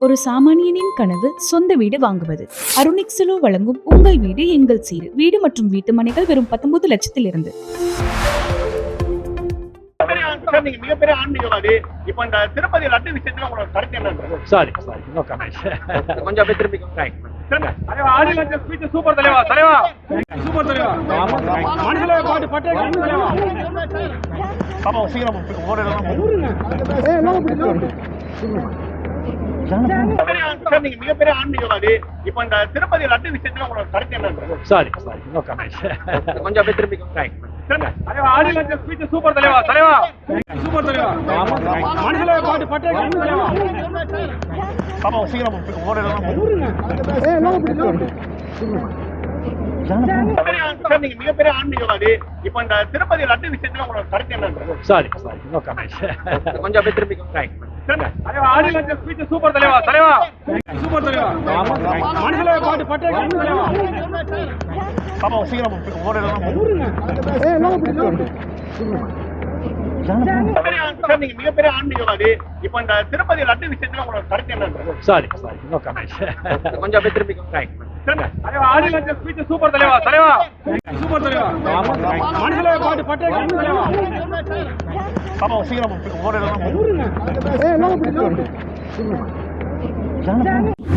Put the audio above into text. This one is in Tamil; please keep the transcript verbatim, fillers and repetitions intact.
ஒரு சாமானியனின் கனவு சொந்த வீடு வாங்குவது. அருணிக்ஸலோ வழங்கும் உங்கள் வீடு எங்கள் சீரு. வீடு மற்றும் வீட்டு மனைகள் வெறும் பத்தொன்பது லட்சத்தில் இருந்து. நீங்க மிகப்பெரிய ஆன்மீகவாதி. இப்ப இந்த திருப்பதி லட்டு விஷயத்துல உங்களோட கருத்து என்ன? Sorry sorry no comment. கொஞ்சம் அப்படியே திரும்பி ரைட். தலைவா ஆடி லட்சம் ஸ்பீச் சூப்பர் தலைவா. தலைவா சூப்பர் தலைவா. மனசுல பாட்டு பட்டே தலைவா. பாப்பா சீக்கிரம் ஓடலாம். ஏய் லோக பிடிச்சு. நீங்க மிகப்பெரிய ஆன்மீகவாதி. இப்ப இந்த திருப்பதி லட்டு விஷயத்துல உங்களோட கருத்து என்ன? Sorry sorry no comment. கொஞ்சம் அப்படியே திரும்பி ரைட். தலைவா ஆடி லட்சம் ஸ்பீச் சூப்பர் தலைவா. தலைவா சூப்பர் தலைவா. மனசுல பாட்டு பட்டே தலைவா. பாப்பா சீக்கிரம் ஓடலாம். ஏய் லோக பிடிச்சு. நீங்க மிகப்பெரிய ஆன்மீகவாதி. இப்ப இந்த திருப்பதி லட்டு விஷயத்துல உங்களோட கருத்து என்ன? Sorry sorry no comment. கொஞ்சம் அப்படியே திரும்பி ரைட். தலைவா ஆடி லட்சம் ஸ்பீச் சூப்பர் தலைவா. தலைவா சூப்பர் தலைவா. மனசுல பாட்டு பட்டே தலைவா. பாப்பா சீக்கிரம் ஓடலாம். ஏய் லோக பிடிச்சு. நீங்க மிகப்பெரிய ஆன்மீகவாதி. இப்ப இந்த திருப்பதி லட்டு விஷயத்துல உங்களோட கருத்து என்ன? Sorry sorry no comment. கொஞ்சம் அப்படியே திரும்பி ரைட். தலைவா ஆடி லட்சம் ஸ்பீச் சூப்பர் தலைவா. தலைவா சூப்பர் தலைவா. மனசுல பாட்டு பட்டே தலைவா. பாப்பா சீக்கிரம் ஓடலாம். ஏய் லோக பிடிச்சு.